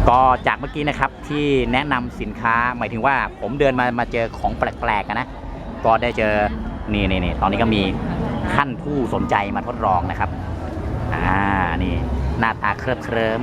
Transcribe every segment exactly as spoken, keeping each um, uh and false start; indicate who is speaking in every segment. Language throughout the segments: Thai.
Speaker 1: ก็จากเมื่อกี้นะครับที่แนะนำสินค้าหมายถึงว่าผมเดินมามาเจอของแปลกๆนะก็ได้เจอนี่นี่นี่ตอนนี้ก็มีท่านผู้สนใจมาทดลองนะครับอ่านี่หน้าตาเคลิบเคลิ้ม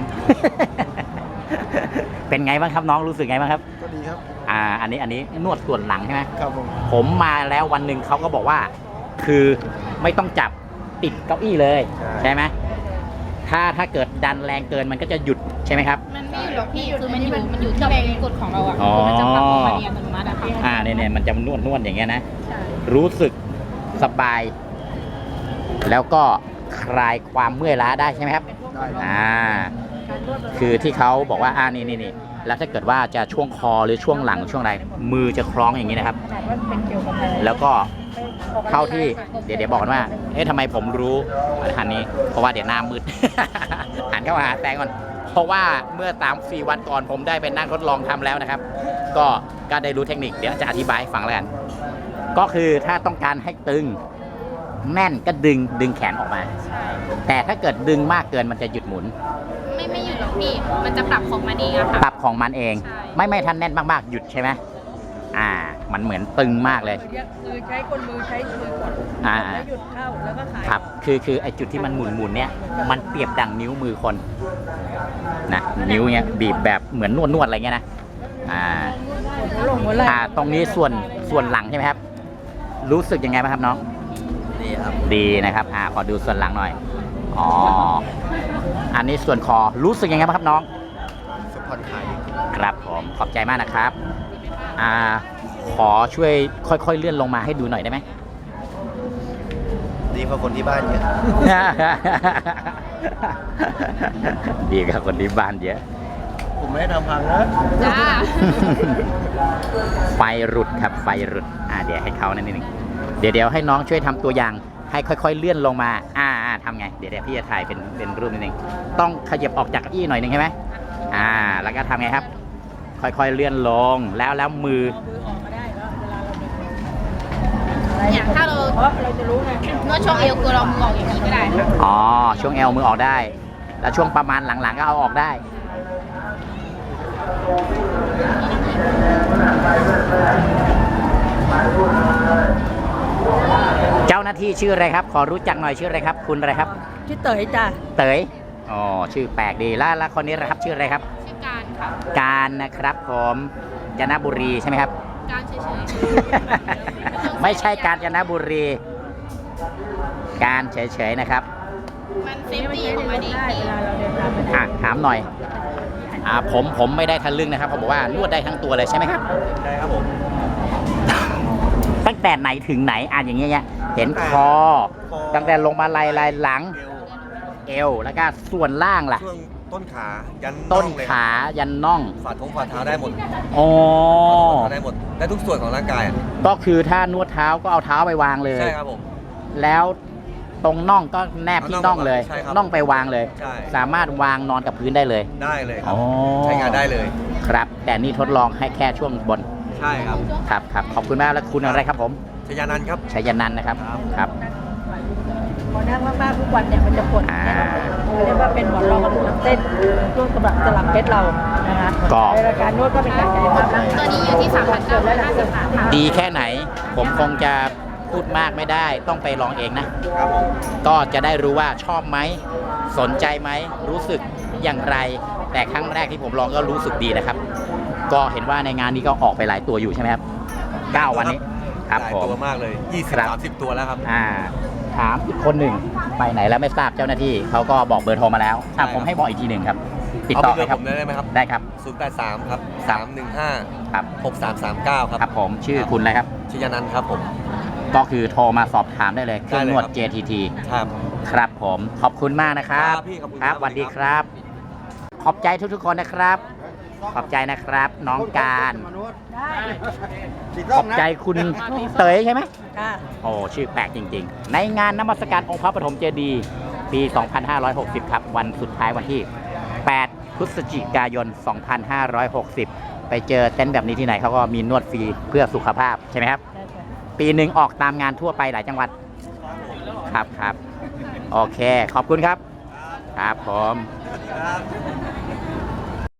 Speaker 1: เป็นไงบ้างครับน้องรู้สึกไงบ้างครับ
Speaker 2: ก็ดีครับ
Speaker 1: อ่าอันนี้อันนี้นวดส่วนหลังใช่ไหม
Speaker 2: ครับผม
Speaker 1: ผมมาแล้ววันหนึ่งเขาก็บอกว่าคือไม่ต้องจับติดเก้าอี้เลยใช่ไหมถ้าถ้าเกิดดันแรงเกินมันก็จะหยุดใช่ไหมครับ
Speaker 3: มันไม่หยุดหรอกพี่คือมันอยู่มันอยู่ที่แรงกดของเราอ่ะคือมันจะปรับออกมาเนียนอัตโนมัติอะค่ะ
Speaker 1: อ่าเนี่ยเนี่ยมันจะนวดนวดอย่างเงี้ยนะรู้สึกสบายแล้วก็คลายความเมื่อยล้าได้ใช่ไหมครับอ่าคือที่เขาบอกว่าอ่านี่นี่นี่แล้วถ้าเกิดว่าจะช่วงคอหรือช่วงหลังช่วงอะไรมือจะคล้องอย่างนี้นะครับแล้วก็เข้าที่เดี๋ยวเดี๋ยวบอกกันว่าเอ๊ะทำไมผมรู้อันนี้เพราะว่าเดี๋ยวหน้ามืด หันเข้าหาแตงก่อนเพราะว่าเมื่อสามสี่วันก่อนผมได้ไปนั่งทดลองทำแล้วนะครับก็ก็ได้รู้เทคนิคเดี๋ยวจะอธิบายให้ฟังแล้วกันก็คือถ้าต้องการให้ตึงแน่นก็ดึงดึงแขนออกมาแต่ถ้าเกิดดึงมากเกินมันจะหยุดหมุน
Speaker 3: ไม่ไม่หยุดหรอกพี่มันจะปรับของมันเองอะค่ะ
Speaker 1: ปรับของมันเองไม่ไม่ทันแน่นมากๆหยุดใช่ไหมอ่ามันเหมือนตึงมากเลย
Speaker 4: คือใช้ก้นมือใช้มือกด
Speaker 1: อ่า
Speaker 4: แล้วหยุดเข้าแล้วก็ขาย
Speaker 1: ครับคือคือไอจุดที่มันหมุนหมุนเนี่ยมันเปรียบดังนิ้วมือคนนะนิ้วเนี้ยบีบแบบเหมือนนวดนวดอะไรเงี้ยนะอ่าอ่าตรงนี้ส่วนส่วนหลังใช่ไหมครับรู้สึกยังไงบ้างครับน้อง
Speaker 2: ดีครับ
Speaker 1: ดีนะครับอ่าขอดูส่วนหลังหน่อยอ๋ออันนี้ส่วนคอรู้สึกยังไงบ้างครับน้อง
Speaker 2: สปอร์ตไทย
Speaker 1: ครับผมขอบใจมากนะครับอ่าขอช่วยค่อยๆเลื่อนลงมาให้ดูหน่อยได้ไหม
Speaker 2: ดีกว่าคนที่บ้านเยอะ
Speaker 1: ดีกว่าคนที่บ้านเยอะ
Speaker 2: ผมไม่ได้ทำพังนะ
Speaker 3: จ้า
Speaker 1: ไฟรุดครับไฟรุดอ่าเดี๋ยวให้เขานั่นนิดนึงเดี๋ยวเดี๋ยวให้น้องช่วยทำตัวอย่างให้ค่อยๆเลื่อนลงมาอ่าอ่าทำไงเดี๋ยวเดี๋ยวพี่จะถ่ายเป็นเป็นรูปนิดนึงต้องขยับออกจากเก้าอี้หน่อยนึงใช่ไหมอ่าแล้วก็ทำไงครับค่อยๆเลื่อนลงแล้วแล้วมือ
Speaker 3: อย่างถ้าเราเราจะรู้ไงนวดช่วงเอวคือเรามือออกอย่างนี้ก็ได้
Speaker 1: อ๋อช่วงเอวมือออกได้แล้วช่วงประมาณหลังๆก็เอาออกได้เจ้าหน้าที่ชื่ออะไรครับขอรู้จักหน่อยชื่ออะไรครับคุณอะไรครับ
Speaker 4: ชื่อเต๋ยจ้ะ
Speaker 1: เต๋ยอ๋อชื่อแปลกดีแล้วแล้วคนนี้นะครับชื่ออะไรครับ
Speaker 3: ชื่อการค่ะ
Speaker 1: การนะครับผมกาญจนบุรีใช่ไหมครับ
Speaker 3: การเฉย
Speaker 1: ๆ ไม่ใช่กาญจนบุรีการเฉยๆนะครับ
Speaker 3: มันเซฟตี้ของมันเองพี่
Speaker 1: อ่ะถามหน่อยอ่าผมผมไม่ได้ทะลึ่งนะครับเขาบอกว่านวดได้ทั้งตัวเลยใช่ไหมครับ
Speaker 2: ได้ครับผม
Speaker 1: ตั้งแต่ไหนถึงไหนอ่ะอย่างเงี้ยเห็นคอตั้งแต่ลงมาไหล่ไหล่หลังเอวแล้วก็ส่วนล่างล่ะ
Speaker 2: ช่วงต้นขายัน
Speaker 1: ต้นขายันน่อง
Speaker 2: ฝ่าท้องฝ่าเท้าได้หมด
Speaker 1: อ๋อ
Speaker 2: ได้หมดได้ทุกส่วนของร่างกาย
Speaker 1: ก็คือถ้านวดเท้าก็เอาเท้าไปวางเลย
Speaker 2: ใช่ครับผม
Speaker 1: แล้วตรงน่องก็แนบที่น่องเลยน่องไปวางเลยสามารถวางนอนกับพื้นได้เลย
Speaker 2: ได้เลยครับใช้งานได้เลย
Speaker 1: ครับแต่นี่ทดลองให้แค่ช่วงบน
Speaker 2: ใช่ครับ
Speaker 1: ครับครับขอบคุณมากแล้วคุณอะไรครับผม
Speaker 2: ชยานันท์ครับ
Speaker 1: ชยานันท์นะครับครับ
Speaker 4: พอนั่งมากๆทุกวันเนี่ยมันจะปวดเรียกว่าเป็นหมอนรองกระดูกเส้นช่วงสลับสลับเพชรเรานะคะในรายการนวดก็เป็นการกายภาพ
Speaker 3: ตัวนี้อยู่ที่สามพันเก้าร้อยห้าสิบบาทค่ะ
Speaker 1: ดีแค่ไหนผมคงจะพูดมากไม่ได้ต้องไปลองเองนะครับ
Speaker 2: ผม
Speaker 1: ก็จะได้รู้ว่าชอบไหมสนใจไหมรู้สึกอย่างไรแต่ครั้งแรกที่ผมลองก็รู้สึกดีนะครับก็เห็นว่าในงานนี้ก็ออกไปหลายตัวอยู่ใช่ไหมครับเก้าวันนี้ครับ
Speaker 2: หลายตัวมากเลยยี่สิบ สามสิบตัวแล้วครับ
Speaker 1: อ่าถามอีกคนหนึ่งไปไหนแล้วไม่ทราบเจ้าหน้าที่เขาก็บอกเบอร์โทรมาแล้วถ้าผมให้บอกอีกทีหนึ่งครับติดต่อไปครับ
Speaker 2: ได้ไหมครับ
Speaker 1: ได้ครับ
Speaker 2: ศูนย์แปดสามครับสามหนึ่งห้า
Speaker 1: ครับ
Speaker 2: หกสามสามเก้าครับ
Speaker 1: ครับผมชื่อคุณอะไรครับ
Speaker 2: ชยานันท์ครับผม
Speaker 1: ก็คือโทรมาสอบถามได้เลยเครื่องนวด เจ ที ที
Speaker 2: ครับ
Speaker 1: ครับผมขอบคุณมากนะครับครับสวัสดีครับขอบใจทุกๆคนนะครับขอบใจนะครับน้องการขอบใจคุณเต๋ยใช่ไหมโอ้ชื่อแปลกจริงๆในงานนมัสการองค์พระปฐมเจดีย์ปี สองพันห้าร้อยหกสิบ ครับวันสุดท้ายวันที่ แปด พฤศจิกายน สองพันห้าร้อยหกสิบ ไปเจอเต็นท์แบบนี้ที่ไหนเขาก็มีนวดฟรีเพื่อสุขภาพใช่ไหมครับปีหนึ่งออกตามงานทั่วไปหลายจังหวัดครับครับโอเคขอบคุณครับครับผม